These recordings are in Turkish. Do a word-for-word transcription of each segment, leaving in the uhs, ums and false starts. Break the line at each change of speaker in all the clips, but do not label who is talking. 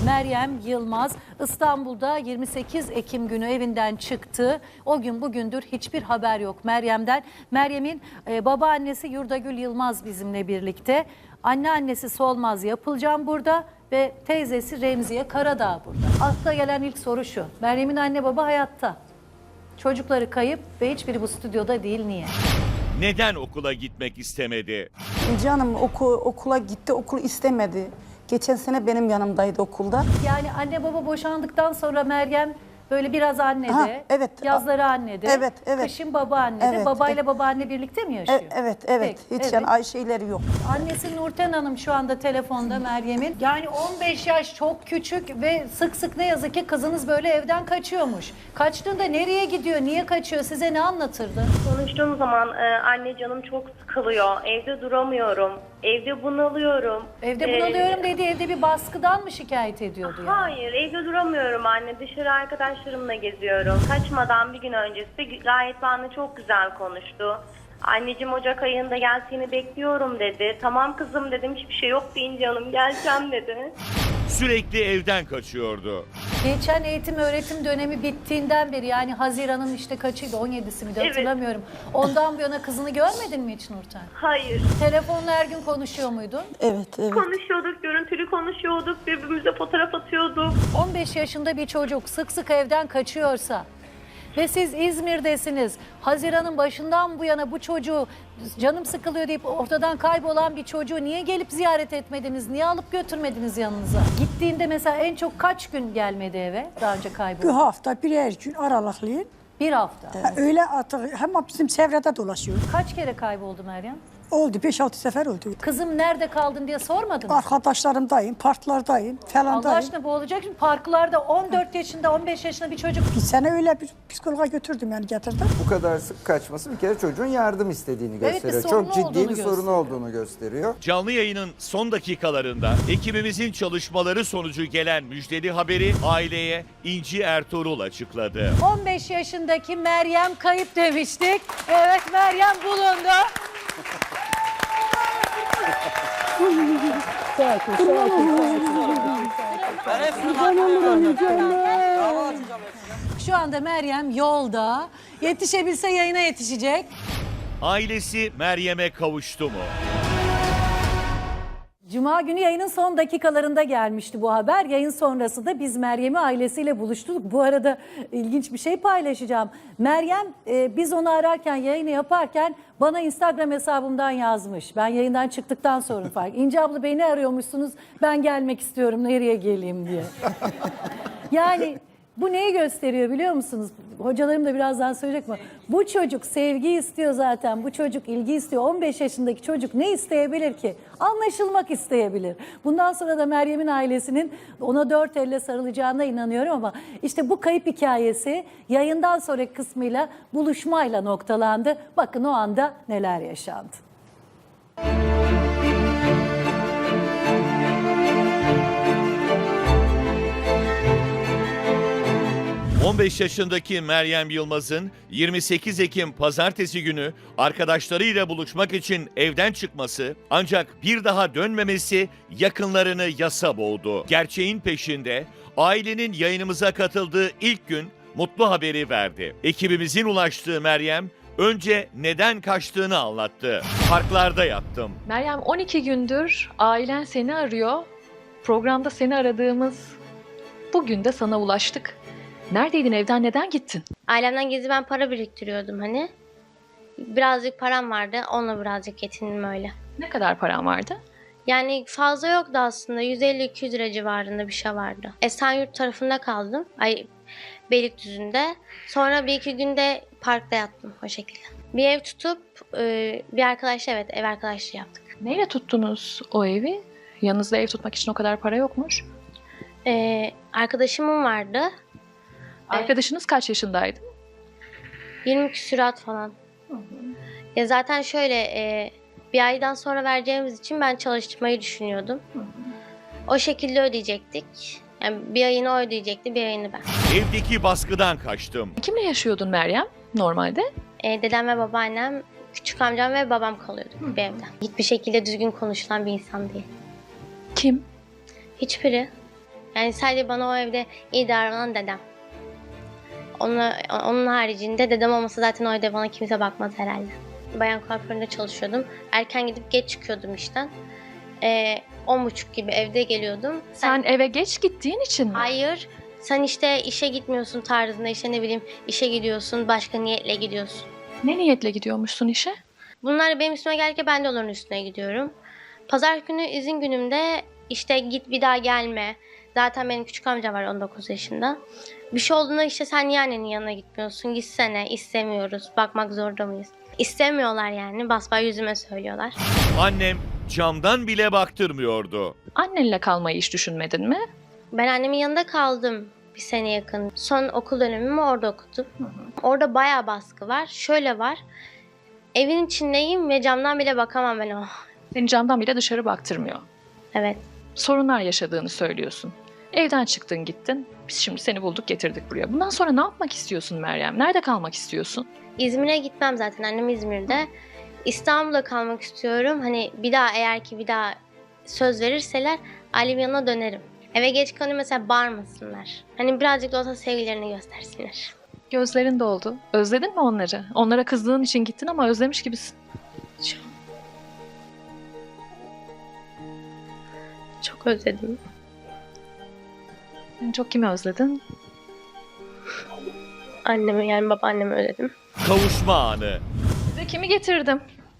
Meryem Yılmaz İstanbul'da yirmi sekiz Ekim günü evinden çıktı. O gün bugündür hiçbir haber yok Meryem'den. Meryem'in e, babaannesi Yurdagül Yılmaz bizimle birlikte. Anneannesi Solmaz Yapılcan burada ve teyzesi Remziye Karadağ burada. Akla gelen ilk soru şu: Meryem'in anne baba hayatta. Çocukları kayıp ve hiçbiri bu stüdyoda değil. Niye?
Neden okula gitmek istemedi?
Canım oku, okula gitti, okul istemedi. Geçen sene benim yanımdaydı okulda.
Yani anne baba boşandıktan sonra Meryem böyle biraz annede,
Ha, evet.
yazları annede,
Evet, evet.
kışın baba annede.
Evet,
Babayla
evet.
babaanne birlikte mi yaşıyor?
E- evet, evet.
Peki,
Hiç
evet.
yani ay şeyleri yok.
Annesi Nurten Hanım şu anda telefonda Meryem'in. Yani on beş yaş çok küçük ve sık sık ne yazık ki kızınız böyle evden kaçıyormuş. Kaçtığında nereye gidiyor, niye kaçıyor, size ne anlatırdı?
Konuştuğum zaman e, anne canım çok sıkılıyor, evde duramıyorum, evde bunalıyorum.
Evde
Ee,
bunalıyorum dedi, evde bir baskıdan mı şikayet ediyordu yani?
Hayır, evde duramıyorum anne, dışarı arkadaşlarımla geziyorum. Kaçmadan bir gün öncesi gayet benimle çok güzel konuştu. Anneciğim Ocak ayında gel seni bekliyorum dedi. Tamam kızım dedim, hiçbir şey yok deyince hanım geleceğim dedi.
Sürekli evden kaçıyordu.
Geçen eğitim öğretim dönemi bittiğinden beri, yani Haziran'ın işte kaçıydı, on yedisi miydi
Evet.
hatırlamıyorum. Ondan bu yana kızını görmedin mi hiç Nurten?
Hayır.
Telefonla her gün konuşuyor muydun?
Evet, evet.
Konuşuyorduk, görüntülü konuşuyorduk, birbirimize fotoğraf atıyorduk.
on beş yaşında bir çocuk sık sık evden kaçıyorsa ve siz İzmir'desiniz, Haziran'ın başından bu yana bu çocuğu canım sıkılıyor deyip ortadan kaybolan bir çocuğu niye gelip ziyaret etmediniz, niye alıp götürmediniz yanınıza? Gittiğinde mesela en çok kaç gün gelmedi eve daha önce
Bir
kayboldu?
hafta birer gün aralıklı.
Bir hafta.
Ha, öyle artık hem bizim çevrede dolaşıyor.
Kaç kere kayboldu Meryem?
Oldu beş altı sefer oldu.
Kızım nerede kaldın diye sormadın mı?
Arkadaşlarımdayım, parklardayım,
Allah
falandayım.
aşkına bu olacak şimdi, parklarda on dört yaşında on beş yaşında bir çocuk.
Bir sene öyle bir psikologa götürdüm yani getirdim.
Bu kadar sık kaçması bir kere çocuğun yardım istediğini
Evet,
gösteriyor.
bir sorunu
Çok ciddi
olduğunu
bir sorunu
gösteriyor.
olduğunu gösteriyor.
Canlı yayının son dakikalarında ekibimizin çalışmaları sonucu gelen müjdeli haberi aileye İnci Ertuğrul açıkladı.
on beş yaşındaki Meryem kayıp demiştik. Evet, Meryem bulundu. Şu anda Meryem yolda. Yetişebilse yayına yetişecek.
Ailesi Meryem'e kavuştu mu?
Cuma günü yayının son dakikalarında gelmişti bu haber. Yayın sonrası da biz Meryem'i ailesiyle buluştuk. Bu arada ilginç bir şey paylaşacağım. Meryem e, biz onu ararken, yayını yaparken bana Instagram hesabımdan yazmış. Ben yayından çıktıktan sonra fark. İnce abla beni arıyormuşsunuz, ben gelmek istiyorum, nereye geleyim diye. Yani bu neyi gösteriyor biliyor musunuz? Hocalarım da birazdan söyleyecek mi? Bu çocuk sevgi istiyor zaten. Bu çocuk ilgi istiyor. on beş yaşındaki çocuk ne isteyebilir ki? Anlaşılmak isteyebilir. Bundan sonra da Meryem'in ailesinin ona dört elle sarılacağına inanıyorum ama işte bu kayıp hikayesi yayından sonraki kısmıyla, buluşmayla noktalandı. Bakın o anda neler yaşandı.
on beş yaşındaki Meryem Yılmaz'ın yirmi sekiz Ekim pazartesi günü arkadaşlarıyla buluşmak için evden çıkması, ancak bir daha dönmemesi yakınlarını yasa boğdu. Gerçeğin peşinde ailenin yayınımıza katıldığı ilk gün mutlu haberi verdi. Ekibimizin ulaştığı Meryem önce neden kaçtığını anlattı. Parklarda yattım.
Meryem, on iki gündür ailen seni arıyor. Programda seni aradığımız bugün de sana ulaştık. Neredeydin, evden neden gittin?
Ailemden gizli ben para biriktiriyordum hani. Birazcık param vardı, onunla birazcık yetindim öyle.
Ne kadar paran vardı?
Yani fazla yoktu aslında, yüz elli iki yüz lira civarında bir şey vardı. Esenyurt tarafında kaldım, ay Beylikdüzü'nde. Sonra bir iki günde parkta yattım o şekilde. Bir ev tutup e, bir arkadaşla, evet ev arkadaşlığı yaptık.
Neyle tuttunuz o evi? Yanınızda ev tutmak için o kadar para yokmuş.
E, arkadaşımın vardı.
Arkadaşınız kaç yaşındaydı?
yirmi küsurat falan. Hı hı. Ya zaten şöyle e, bir aydan sonra vereceğimiz için ben çalıştırmayı düşünüyordum. Hı hı. O şekilde ödeyecektik. Yani bir ayını o ödeyecekti, bir ayını ben.
Evdeki baskıdan kaçtım.
Kimle yaşıyordun Meryem normalde?
E, dedem ve babaannem, küçük amcam ve babam kalıyordu Hı. bir evde. Hiçbir şekilde düzgün konuşulan bir insan değil.
Kim?
Hiçbiri. Yani sadece bana o evde iyi davranan dedem. Onun, onun haricinde dedem olmasa zaten o evde bana kimse bakmaz herhalde. Bayan kuaföründe çalışıyordum. Erken gidip geç çıkıyordum işten. Ee, on buçuk gibi evde geliyordum.
Sen eve geç gittiğin için mi?
Hayır. Sen işte işe gitmiyorsun tarzında, işte ne bileyim işe gidiyorsun, başka niyetle gidiyorsun.
Ne niyetle gidiyormuşsun işe?
Bunlar benim üstüme gelirken ben de onların üstüne gidiyorum. Pazar günü izin günümde işte git bir daha gelme. Zaten benim küçük amcam var on dokuz yaşında. Bir şey olduğunda işte sen niye annenin yanına gitmiyorsun? Gitsene, istemiyoruz, bakmak zorunda mıyız? İstemiyorlar yani, basbayağı yüzüme söylüyorlar.
Annem camdan bile baktırmıyordu.
Annenle kalmayı hiç düşünmedin mi?
Ben annemin yanında kaldım bir sene yakın. Son okul dönemimi orada okudum. Orada bayağı baskı var. Şöyle var. Evin içindeyim ve camdan bile bakamam ben o.
Seni camdan bile dışarı baktırmıyor.
Evet.
Sorunlar yaşadığını söylüyorsun. Evden çıktın gittin. Biz şimdi seni bulduk getirdik buraya. Bundan sonra ne yapmak istiyorsun Meryem? Nerede kalmak istiyorsun?
İzmir'e gitmem zaten. Annem İzmir'de. İstanbul'da kalmak istiyorum. Hani bir daha eğer ki bir daha söz verirseler ailemin yanına dönerim. Eve geç kalayım mesela bağırmasınlar. Hani birazcık da olsa sevgilerini göstersinler.
Gözlerin doldu. Özledin mi onları? Onlara kızdığın için gittin ama özlemiş gibisin.
Çok, çok özledim.
En çok kimi özledin?
Annemi yani babaannemi özledim.
Kavuşma anı.
Size kimi getirdim?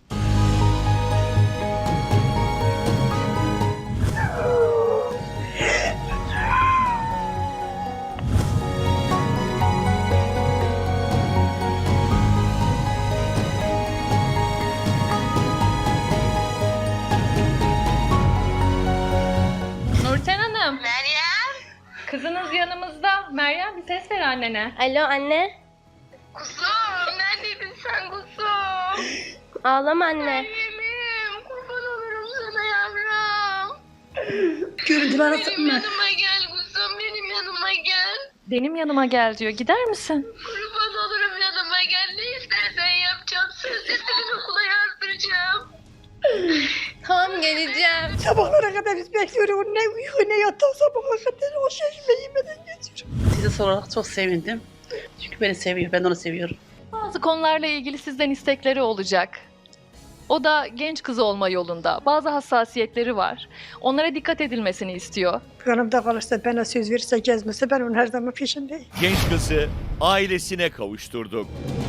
Nurten Hanım.
Meryem.
Kızınız yanımızda. Meryem bir ses ver annene.
Alo anne.
Kuzum neredeydin sen kuzum?
Ağlama anne.
Yemin kurban olurum sana yavrum.
Görüntüler
Benim yanıma gel kuzum, benim yanıma gel.
Benim yanıma gel diyor. Gider misin?
Kurban olurum yanıma gel. Ne istersen yapacağım. Sözde seni okula yazdıracağım.
Tamam geleceğim.
Sabahlara kadar biz bekliyoruz. Ne uyuyor ne yatak sabaha kadar o şaşma yemeden geçiyor.
Sizi sorarak çok sevindim. Çünkü beni seviyor, ben de onu seviyorum.
Bazı konularla ilgili sizden istekleri olacak. O da genç kız olma yolunda. Bazı hassasiyetleri var. Onlara dikkat edilmesini istiyor.
Yanımda kalırsa, bana söz verirse, gezmese ben onun her zaman peşindeyim.
Genç kızı ailesine kavuşturduk.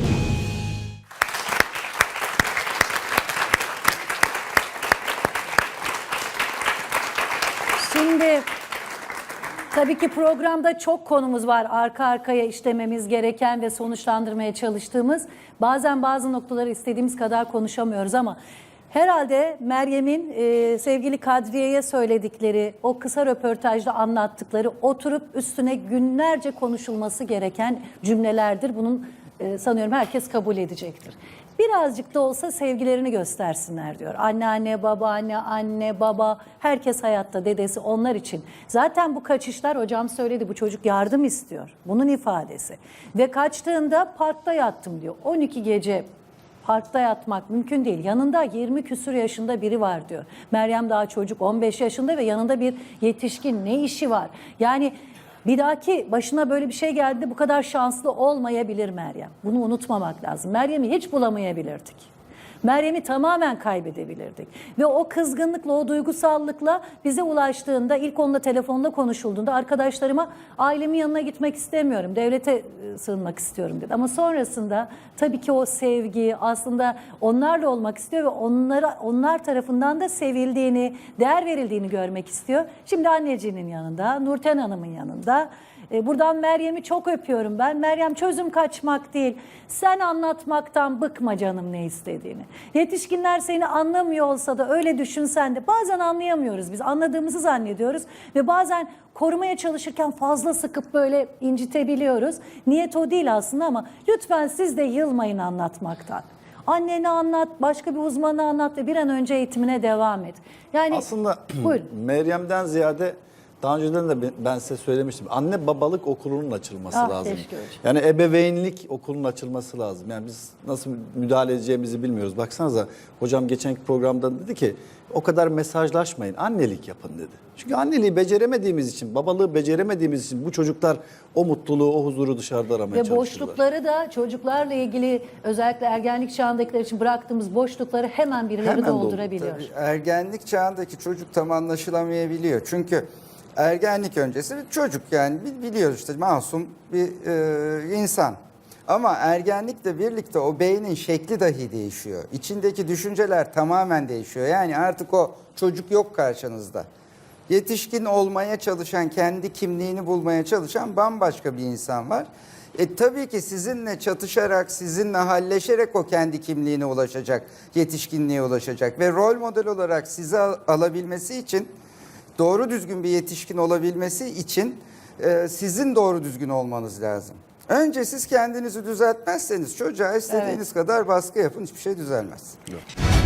Şimdi tabii ki programda çok konumuz var arka arkaya işlememiz gereken ve sonuçlandırmaya çalıştığımız. Bazen bazı noktaları istediğimiz kadar konuşamıyoruz ama herhalde Meryem'in e, sevgili Kadriye'ye söyledikleri, o kısa röportajda anlattıkları oturup üstüne günlerce konuşulması gereken cümlelerdir. Bunun e, sanıyorum herkes kabul edecektir. Birazcık da olsa sevgilerini göstersinler diyor. Anneanne, babaanne, anne, baba, herkes hayatta, dedesi onlar için. Zaten bu kaçışlar hocam söyledi, bu çocuk yardım istiyor. Bunun ifadesi. Ve kaçtığında parkta yattım diyor. on iki gece parkta yatmak mümkün değil. Yanında yirmi küsur yaşında biri var diyor. Meryem daha çocuk, on beş yaşında ve yanında bir yetişkin, ne işi var? Yani bir dahaki başına böyle bir şey geldiğinde bu kadar şanslı olmayabilir Meryem. Bunu unutmamak lazım. Meryem'i hiç bulamayabilirdik. Meryem'i tamamen kaybedebilirdik. Ve o kızgınlıkla, o duygusallıkla bize ulaştığında, ilk onunla telefonda konuşulduğunda arkadaşlarıma ailemin yanına gitmek istemiyorum, devlete sığınmak istiyorum dedi. Ama sonrasında tabii ki o sevgi aslında onlarla olmak istiyor ve onlara, onlar tarafından da sevildiğini, değer verildiğini görmek istiyor. Şimdi annecinin yanında, Nurten Hanım'ın yanında. Buradan Meryem'i çok öpüyorum ben. Meryem, çözüm kaçmak değil. Sen anlatmaktan bıkma canım ne istediğini. Yetişkinler seni anlamıyor olsa da öyle düşünsen de bazen anlayamıyoruz biz. Anladığımızı zannediyoruz ve bazen korumaya çalışırken fazla sıkıp böyle incitebiliyoruz. Niyet o değil aslında ama lütfen siz de yılmayın anlatmaktan. Annene anlat, başka bir uzmana anlat ve bir an önce eğitimine devam et. Yani
Aslında
buyurun.
Meryem'den ziyade Daha önceden de ben size söylemiştim. Anne babalık okulunun açılması
Ah,
lazım.
keşke hocam.
Yani ebeveynlik okulunun açılması lazım. Yani biz nasıl müdahale edeceğimizi bilmiyoruz. Baksanıza hocam geçenki programda dedi ki o kadar mesajlaşmayın. Annelik yapın dedi. Çünkü anneliği beceremediğimiz için, babalığı beceremediğimiz için bu çocuklar o mutluluğu, o huzuru dışarıda aramaya
Ve
çalışıyorlar.
boşlukları da çocuklarla ilgili özellikle ergenlik çağındakiler için bıraktığımız boşlukları hemen birileri
Hemen doldu.
doldurabiliyor.
Tabii, ergenlik çağındaki çocuk tam anlaşılamayabiliyor. Çünkü ergenlik öncesi bir çocuk, yani bi- biliyoruz işte masum bir e, insan. Ama ergenlikle birlikte o beynin şekli dahi değişiyor. İçindeki düşünceler tamamen değişiyor. Yani artık o çocuk yok karşınızda. Yetişkin olmaya çalışan, kendi kimliğini bulmaya çalışan bambaşka bir insan var. E tabii ki sizinle çatışarak, sizinle halleşerek o kendi kimliğine ulaşacak, yetişkinliğe ulaşacak. Ve rol model olarak sizi al- alabilmesi için, doğru düzgün bir yetişkin olabilmesi için e, sizin doğru düzgün olmanız lazım. Önce siz kendinizi düzeltmezseniz çocuğa istediğiniz kadar baskı yapın, hiçbir şey düzelmez.
Yok.